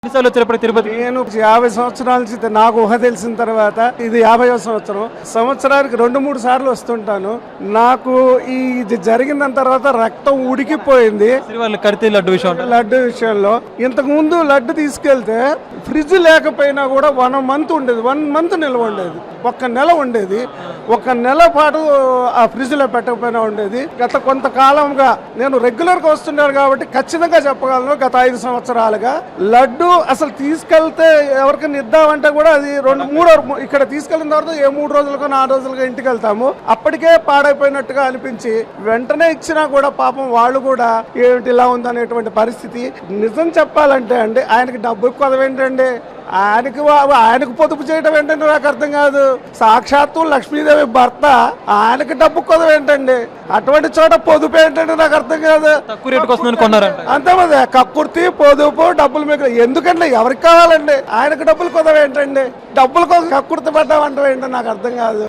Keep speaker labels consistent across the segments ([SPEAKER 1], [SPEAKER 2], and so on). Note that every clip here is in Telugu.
[SPEAKER 1] తిరుపతి నేను 50 సంవత్సరాల నుంచి నాకు ఊహ తెలిసిన తర్వాత ఇది 50వ సంవత్సరం. సంవత్సరానికి 2-3 సార్లు వస్తుంటాను. నాకు ఇది జరిగిన తర్వాత రక్తం ఉడికిపోయింది లడ్డు విషయంలో. ఇంతకు ముందు లడ్డు తీసుకెళ్తే ఫ్రిడ్జ్ లేకపోయినా కూడా 1 మంత్ ఉండేది, 1 మంత్ నిల్వ ఉండేది, 1 నెల ఉండేది. 1 నెల పాటు ఆ ఫ్రిడ్జ్ లో పెట్టకపోయినా ఉండేది. గత కొంతకాలంగా నేను రెగ్యులర్ గా వస్తున్నాను కాబట్టి ఖచ్చితంగా చెప్పగలను, గత 5 సంవత్సరాలుగా లడ్డు అసలు తీసుకెళ్తే ఎవరికైనా ఇద్దామంటే కూడా అది 2-3 ఇక్కడ తీసుకెళ్ళిన తర్వాత 3 రోజులకో 4 రోజులకో ఇంటికి వెళ్తాము. అప్పటికే పాడైపోయినట్టుగా అనిపించి వెంటనే ఇచ్చినా కూడా పాపం వాళ్ళు కూడా ఏమిటి ఇలా ఉందనేటువంటి పరిస్థితి. నిజం చెప్పాలంటే అండి, ఆయనకి డబ్బు కొదవేంటండి, ఆయనకు పొదుపు చేయడం ఏంటంటే నాకు అర్థం కాదు. సాక్షాత్తు లక్ష్మీదేవి భర్త, ఆయనకి డబ్బు కొదవేంటండి, అటువంటి చోట పొదుపు ఏంటంటే నాకు అర్థం కాదు. అంతేమంది కక్కుర్తి పొదుపు డబ్బులు మీకు ఎందుకండి, ఎవరికి కావాలండి, ఆయనకు డబ్బులు కొదవేంటండి, డబ్బుల కోసం కక్కుర్తి పడ్డామంటే ఏంటో నాకు అర్థం కాదు.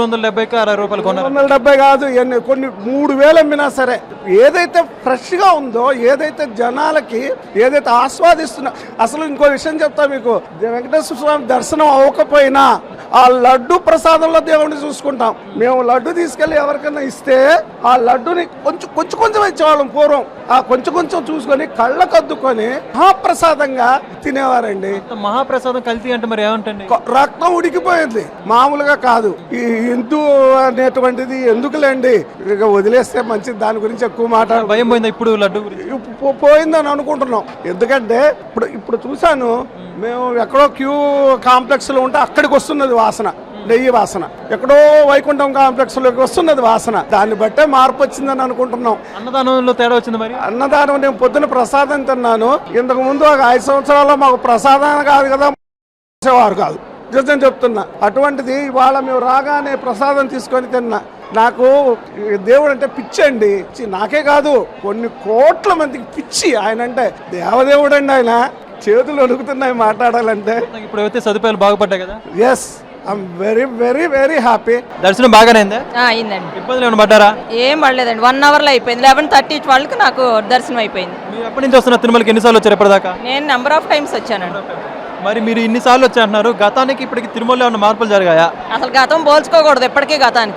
[SPEAKER 1] 370 కాదు, కొన్ని 3000 అమ్మినా సరే ఏదైతే ఫ్రెష్ గా ఉందో, ఏదైతే జనాలకి ఏదైతే ఆస్వాదిస్తున్నా. అసలు ఇంకో విషయం చెప్తా మీకు, వెంకటేశ్వర స్వామి దర్శనం అవ్వకపోయినా ఆ లడ్డు ప్రసాదంలో దేవుడిని చూసుకుంటాం. మేము లడ్డు తీసుకెళ్లి ఎవరికైనా ఇస్తే ఆ లడ్డుని కొంచెం ఇచ్చేవాళ్ళం పూర్వం. ఆ కొంచెం చూసుకొని కళ్ళకద్దుకొని మహాప్రసాదంగా తినేవారండి.
[SPEAKER 2] మహాప్రసాదం కల్తీ అంటే మరి ఏమంటండి,
[SPEAKER 1] రక్తం ఉడికిపోయింది, మామూలుగా కాదు. ఈ హిందూ అనేటువంటిది ఎందుకులేండి, ఇక వదిలేస్తే మంచిది, దాని గురించి ఎక్కువ మాట్లాడ
[SPEAKER 2] భయం పోయిందా ఇప్పుడు లడ్డు
[SPEAKER 1] పోయిందని అనుకుంటున్నాం. ఎందుకంటే ఇప్పుడు చూసాను, మేము ఎక్కడో క్యూ కాంప్లెక్స్ లో ఉంటే అక్కడికి వస్తున్నది వాసన, నెయ్యి వాసన. ఎక్కడో వైకుంఠం కాంప్లెక్స్ లోకి వస్తున్నది వాసన. దాన్ని బట్టే మార్పు వచ్చిందని అనుకుంటున్నాం.
[SPEAKER 2] అన్నదానంలో తేడా వచ్చింది మరి.
[SPEAKER 1] అన్నదానం నేను పొద్దున ప్రసాదం తిన్నాను. ఇంతకు ముందు ఒక 5 సంవత్సరాల్లో మాకు ప్రసాదం కాదు కదా, వారు కాదు, నిజం చెప్తున్నా. అటువంటిది ఇవాళ మేము రాగానే ప్రసాదం తీసుకొని తిన్నా. నాకు దేవుడు అంటే పిచ్చి అండి, నాకే కాదు కొన్ని కోట్ల మందికి పిచ్చి ఆయన అంటే. దేవదేవుడు అండి ఆయన, చేతులు అడుగుతున్నాయి మాట్లాడాలంటే.
[SPEAKER 2] ఇప్పుడు అయితే సదుపాయాలు బాగుపడ్డాయి కదా.
[SPEAKER 1] Yes, I'm very very very happy.
[SPEAKER 2] దర్శనం బాగానే
[SPEAKER 3] అయిందండి.
[SPEAKER 2] ఇబ్బందులు ఏమైనా పడ్డారా?
[SPEAKER 3] ఏం పడలేదండి, 1 అవర్ లో అయిపోయింది. 11:30 వాళ్ళకి నాకు దర్శనం అయిపోయింది.
[SPEAKER 2] మీరు ఎప్పటి నుంచి వస్తున్నారు తిరుమలకి, ఎన్నిసార్లు వచ్చారు ఇప్పటిదాకా?
[SPEAKER 3] నేను నెంబర్ ఆఫ్ టైమ్స్ వచ్చానండి.
[SPEAKER 2] మరి మీరు ఇన్నిసార్లు వచ్చారంటున్నారు, గతానికి ఇప్పటికి తిరుమలలో ఏమైనా మార్పులు జరిగాయా?
[SPEAKER 3] అసలు గతం పోల్చుకోకూడదు ఎప్పటికీ.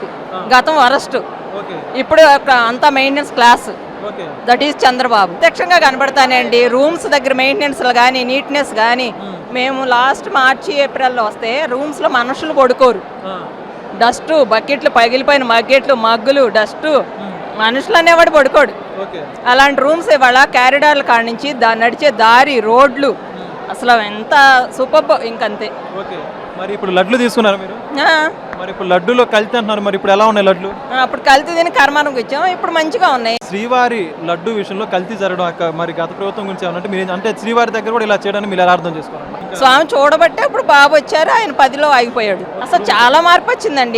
[SPEAKER 3] గతం వరస్ట్, ఇప్పుడు అంతా maintenance class. That is Chandrababu. ప్రత్యక్షంగా కనబడతానండి. రూమ్స్ దగ్గర మెయింటెనెన్స్ కానీ, నీట్నెస్ కానీ. మేము లాస్ట్ మార్చి ఏప్రిల్లో వస్తే రూమ్స్ లో మనుషులు పడుకోరు, డస్ట్, బకెట్లు, పగిలిపోయిన బకెట్లు, మగ్గులు, డస్ట్, మనుషులు అనేవాడు పడుకోడు. అలాంటి రూమ్స్ ఇవాళ క్యారిడార్ల కాడ నుంచి నడిచే దారి, రోడ్లు అసలు ఎంత సూపర్, ఇంకంతే.
[SPEAKER 2] మరి ఇప్పుడు లడ్లు తీసుకున్నారు మీరు, మరి ఇప్పుడు లడ్డులో కల్తీ అంటున్నారు, మరి ఇప్పుడు ఎలా ఉన్నాయి లడ్లు?
[SPEAKER 3] అప్పుడు కల్తీ తిని కర్మానికి వచ్చాం, ఇప్పుడు మంచిగా ఉన్నాయి.
[SPEAKER 2] శ్రీవారి లడ్డు విషయంలో కల్తీ జరగడం మరి గత ప్రభుత్వం గురించి ఏమన్నట్టు మీరు అంటే శ్రీవారి దగ్గర కూడా ఇలా చేయడానికి మీరు ఎలా అర్థం చేసుకోవాలి?
[SPEAKER 3] స్వామి చూడబట్టే ఇప్పుడు బాబు వచ్చారు, ఆయన 10లో ఆగిపోయాడు. అసలు చాలా మార్పు వచ్చిందండి.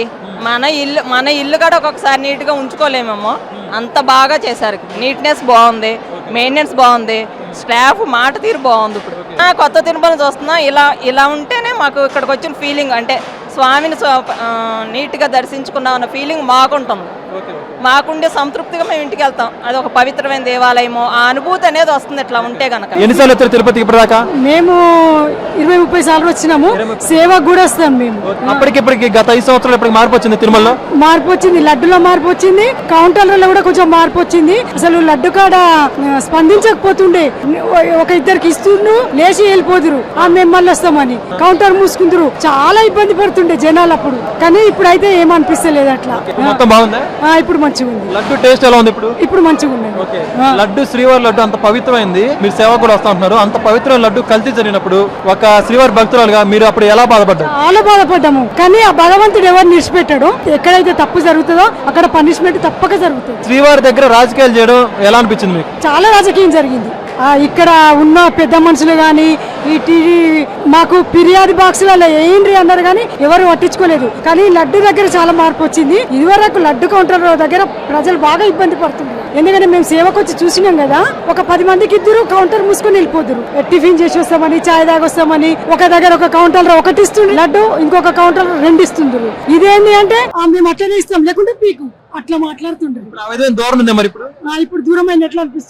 [SPEAKER 3] మన ఇల్లు కూడా ఒక్కొక్కసారి నీట్ గా ఉంచుకోలేమేమో, అంత బాగా చేశారు. నీట్నెస్ బాగుంది, మెయింటెనెన్స్ బాగుంది, స్టాఫ్ మాట తీరు బాగుంది. ఇప్పుడు కొత్త తిరుమల చూస్తున్నాం. ఇలా ఉంటేనే మాకు ఇక్కడికి వచ్చిన ఫీలింగ్, అంటే స్వామిని నీట్గా దర్శించుకున్నాం అన్న ఫీలింగ్ మాకుంటుంది. మాకుండే సంతృప్తిగా మేము ఇంటికి వెళ్తాం. అది ఒక పవిత్రమైన దేవాలయము, ఆ అనుభూతి అనేది వస్తుంది ఇట్లా ఉంటే గనక.
[SPEAKER 2] ఎన్నిసార్లు వచ్చారు తిరుపతికి ఇప్పటిదాకా?
[SPEAKER 4] మేము 20-30 సార్లు వచ్చినాము. సేవకు కూడా వస్తాం మేము.
[SPEAKER 2] అప్పటికి గత 5 సంవత్సరాలు ఇప్పటికి మార్పు వచ్చింది తిరుమలలో.
[SPEAKER 4] మార్పు వచ్చింది, లడ్డులో మార్పు వచ్చింది, కౌంటర్లలో కూడా కొంచెం మార్పు వచ్చింది. అసలు లడ్డు కాడ స్పందించకపోతుండే, ఒక ఇద్దరికి ఇస్తుండ్రు, లేచి వెళ్ళిపోదురు, మేము మళ్ళీ వస్తామని కౌంటర్ మూసుకుందరు. చాలా ఇబ్బంది పడుతుండే జనాలు అప్పుడు. కానీ ఇప్పుడు అయితే ఏమనిపిస్తలేదు అట్లా.
[SPEAKER 2] మొత్తం బాగుందా?
[SPEAKER 4] ఇప్పుడు మంచిగా ఉంది.
[SPEAKER 2] లడ్డు టేస్ట్ ఎలా ఉంది ఇప్పుడు
[SPEAKER 4] మంచిగా ఉంది.
[SPEAKER 2] లడ్డు శ్రీవారి లడ్డు అంత పవిత్రమైంది, మీరు సేవ కూడా వస్తా ఉంటున్నారు. అంత పవిత్రమైన లడ్డు కల్తీ జరిగినప్పుడు ఒక శ్రీవారి భక్తురాలుగా మీరు అప్పుడు ఎలా బాధపడ్డారు?
[SPEAKER 4] చాలా బాధపడ్డాము. కానీ ఆ భగవంతుడు ఎవరు నిడిచిపెట్టాడు, ఎక్కడైతే తప్పు జరుగుతుందో అక్కడ పనిష్మెంట్ తప్పక జరుగుతుంది.
[SPEAKER 2] శ్రీవారి దగ్గర రాజకీయాలు చేయడం ఎలా అనిపించింది మీకు?
[SPEAKER 4] చాలా రాజకీయం జరిగింది. ఇక్కడ ఉన్న పెద్ద మనుషులు గాని, ఈ టీవీ మాకు ఫిర్యాదు బాక్సులలో ఏంటి అన్నారు కానీ ఎవరు పట్టించుకోలేదు. కానీ లడ్డు దగ్గర చాలా మార్పు వచ్చింది. ఇదివరకు లడ్డు కౌంటర్ దగ్గర ప్రజలు బాగా ఇబ్బంది పడుతున్నారు. ఎందుకంటే మేము సేవకు వచ్చి చూసినాం కదా, ఒక 10 మందికి ఇద్దరు కౌంటర్ మూసుకొని వెళ్ళిపోతురు. టిఫిన్ చేసి వస్తామని, చాయ్ తాగొస్తామని, ఒక దగ్గర ఒక కౌంటర్ 1 ఇస్తుంది లడ్డు, ఇంకొక కౌంటర్ 2 ఇస్తుండ్రు. ఇదేంటి అంటే మేము అట్లనే ఇస్తాం, లేకుంటే పీకు, అట్లా మాట్లాడుతుండ్రు.
[SPEAKER 2] దూరం ఉంది మరి ఇప్పుడు
[SPEAKER 4] దూరం అయినట్లు అనిపిస్తుంది.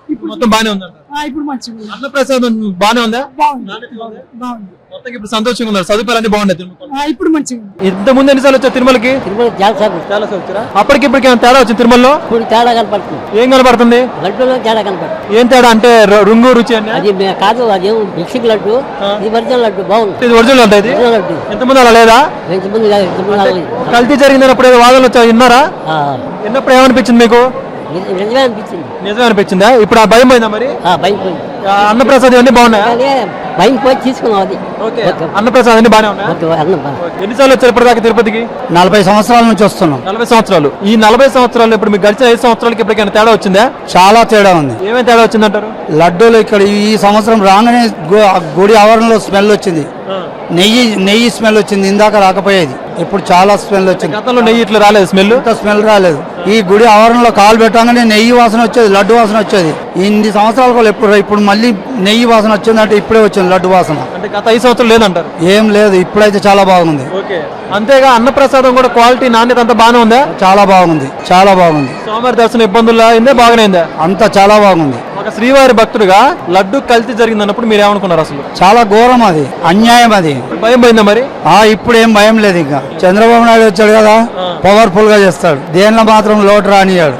[SPEAKER 2] మొత్తం బానే ఉందంట.
[SPEAKER 4] ఇప్పుడు మంచిగా ఉంది.
[SPEAKER 2] అన్నప్రసాదం బానే ఉందా?
[SPEAKER 4] బాగుంది.
[SPEAKER 2] మొత్తం ఇప్పుడు సంతోషంగా ఉన్నారు, సదుపాయాలన్నీ బాగున్నాయి.
[SPEAKER 4] ఇప్పుడు మంచిగా ఉంది.
[SPEAKER 2] ఇంత ముందు ఎన్నిసార్లు వచ్చారు తిరుమలకి?
[SPEAKER 5] చాలా సార్లు
[SPEAKER 2] వచ్చారా? అప్పటికిప్పటికి ఏమైనా తేడా వచ్చింది తిరుమలలో?
[SPEAKER 5] ఇప్పుడు తేడా కనపడుతుంది.
[SPEAKER 2] ఏం కనబడుతుంది?
[SPEAKER 5] లడ్డూలో తేడా కనపడుతుంది.
[SPEAKER 2] ఏం తేడా అంటే రుంగు రుచి అని?
[SPEAKER 5] అది కాదు, అదేం మిక్సింగ్ లడ్డు, ఇది ఒరిజినల్ లడ్డు. బాగుంది.
[SPEAKER 2] ఇది ఒరిజినల్ లడ్డు. ఇది
[SPEAKER 5] ఒరిజినల్ లడ్డు.
[SPEAKER 2] ఎంతమంది అలా లేదా?
[SPEAKER 5] ఇంతమంది కాదు, ఇంతమంది రాలేదు.
[SPEAKER 2] కల్తీ జరిగిందన్నప్పుడు ఏదో వాదనలు వచ్చా, విన్నారా? విన్నప్పుడు ఏమనిపించింది మీకు?
[SPEAKER 5] నిజమే అనిపించింది.
[SPEAKER 2] నిజమే అనిపించిందా? ఇప్పుడు ఆ భయం పోయిందా మరి?
[SPEAKER 5] భయం పోయింది.
[SPEAKER 2] అన్నప్రసాదం అన్ని బాగున్నాయా?
[SPEAKER 5] కానీ భయం పోయి తీసుకున్నాం. అది
[SPEAKER 2] అన్నప్రసాదం అన్ని బాగానే ఉన్నాయా?
[SPEAKER 5] అన్నం
[SPEAKER 2] ఎన్నిసార్లు వచ్చారు ఇప్పటిదాకా తిరుపతికి?
[SPEAKER 6] 40 సంవత్సరాల నుంచి వస్తున్నాం.
[SPEAKER 2] 40 సంవత్సరాలు. ఈ 40 సంవత్సరాలు ఇప్పుడు మీకు గడిచిన 5 సంవత్సరాలకి ఇప్పటికైనా తేడా వచ్చిందా?
[SPEAKER 6] చాలా తేడా ఉంది.
[SPEAKER 2] ఏమేమి తేడా వచ్చిందంటారు?
[SPEAKER 6] లడ్డూలు ఇక్కడ ఈ సంవత్సరం రాగానే గుడి ఆవరణలో స్మెల్ వచ్చింది. నెయ్యి స్మెల్ వచ్చింది. ఇందాక రాకపోయేది, ఇప్పుడు చాలా స్మెల్ వచ్చింది.
[SPEAKER 2] గతంలో నెయ్యి ఇట్లా రాలేదు, స్మెల్
[SPEAKER 6] స్మెల్ రాలేదు. ఈ గుడి ఆవరణలో కాలు పెట్టగానే నెయ్యి వాసన వచ్చేది, లడ్డు వాసన వచ్చేది. ఇన్ని సంవత్సరాల కూడా ఇప్పుడు మళ్ళీ నెయ్యి వాసన వచ్చింది అంటే ఇప్పుడే వచ్చింది లడ్డు వాసన.
[SPEAKER 2] అంటే గత 5 సంవత్సరాలు లేదంటారు?
[SPEAKER 6] ఏం లేదు, ఇప్పుడైతే చాలా బాగుంది.
[SPEAKER 2] అంతేగా అన్నప్రసాదం కూడా క్వాలిటీ నాణ్యత అంతా బాగానే ఉందా?
[SPEAKER 6] చాలా బాగుంది, చాలా బాగుంది.
[SPEAKER 2] స్వామివారి దర్శనం ఇబ్బందులు అయిందే, బాగానే అయిందా?
[SPEAKER 6] అంతా చాలా బాగుంది.
[SPEAKER 2] ఒక శ్రీవారి భక్తుడిగా లడ్డు కల్తీ జరిగిందన్నప్పుడు మీరు ఏమనుకున్నారు? అసలు
[SPEAKER 6] చాలా ఘోరం, అది అన్యాయం. అది
[SPEAKER 2] భయం పోయిందా మరి?
[SPEAKER 6] ఇప్పుడు ఏం భయం లేదు. ఇంకా చంద్రబాబు నాయుడు వచ్చాడు కదా, పవర్ఫుల్ గా చేస్తాడు. దేనిలో మాత్రం లోటు రానియాడు.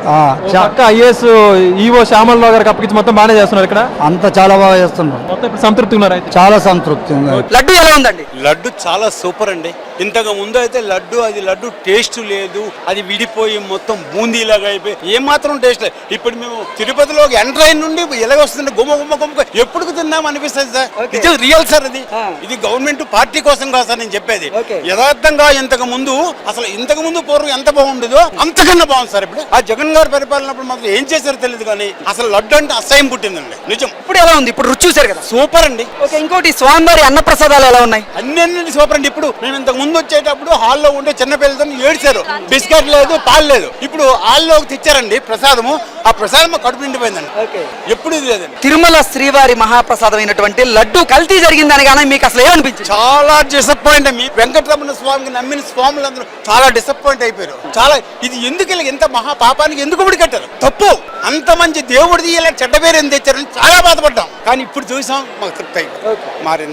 [SPEAKER 2] ఐఏఎస్ ఈవో శ్యామలరావు గారికి అప్పగించి మొత్తం బాగానే చేస్తున్నారు ఇక్కడ.
[SPEAKER 6] అంతా చాలా బాగా చేస్తున్నారు.
[SPEAKER 2] మొత్తం ఇప్పుడు సంతృప్తి ఉన్నారు అయితే?
[SPEAKER 6] చాలా సంతృప్తి ఉంది.
[SPEAKER 7] లడ్డు ఎలా ఉందండి?
[SPEAKER 8] లడ్డు చాలా సూపర్ అండి. ఇంతకు ముందు అయితే లడ్డు టేస్ట్ లేదు, అది విడిపోయి మొత్తం బూందీలాగా అయిపోయి ఏమాత్రం టేస్ట్ లేదు. ఇప్పుడు మేము తిరుపతిలోకి ఎంటర్ అయిన నుండి ఎలాగొస్తుంది, గుమ్మ ఎప్పుడు తిన్నాం అనిపిస్తుంది సార్. ఇది రియల్ సార్. ఇది గవర్నమెంట్ పార్టీ కోసం కాదు సార్ నేను చెప్పేది. యథార్థంగా ఇంతకు ముందు పూర్వం ఎంత బాగుండేదో అంతకన్నా బాగుంది సార్. ఇప్పుడు ఆ జగన్ గారు పరిపాలనప్పుడు మాత్రం ఏం చేశారో తెలియదు, కానీ అసలు లడ్డు అంటే అసహ్యం పుట్టిందండి. నిజం.
[SPEAKER 7] ఇప్పుడు ఎలా ఉంది? ఇప్పుడు రుచి చూసారు కదా,
[SPEAKER 8] సూపర్ అండి.
[SPEAKER 7] ఇంకోటి స్వామివారి అన్నప్రసాదాలు ఎలా ఉన్నాయి?
[SPEAKER 8] అన్ని సూపర్ అండి. ఇప్పుడు మేము ఇంతకు ముందు వచ్చేటప్పుడు హాల్లో ఉండే చిన్న పిల్లలతో ఏడ్చారు, బిస్కెట్ లేదు, పాలు లేదు. ఇప్పుడు హాల్లోకి తెచ్చారండి ప్రసాదము. ఆ ప్రసాదం కడుపు నిండిపోయిందండి. ఎప్పుడు ఇది లేదండి.
[SPEAKER 7] తిరుమల శ్రీవారి మహాప్రసాదం అయినటువంటి లడ్డు కల్తీ జరిగిందని కానీ మీకు అసలు ఏమనిపించింది?
[SPEAKER 8] చాలా డిసప్పాయింట్. మీ వెంకటరమణ స్వామికి నమ్మిన స్వాములందరూ చాలా డిసప్పాయింట్ అయిపోయారు. చాలా ఇది ఎందుకు ఇంత మహా పాపానికి ఎందుకు ముడి కట్టారు? తప్పు. అంత మంచి దేవుడిది ఇలా చెడ్డ పేరు ఎందుకు తెచ్చారని చాలా బాధపడ్డాం. కానీ ఇప్పుడు చూసాం, మాకు తృప్తి మారింది.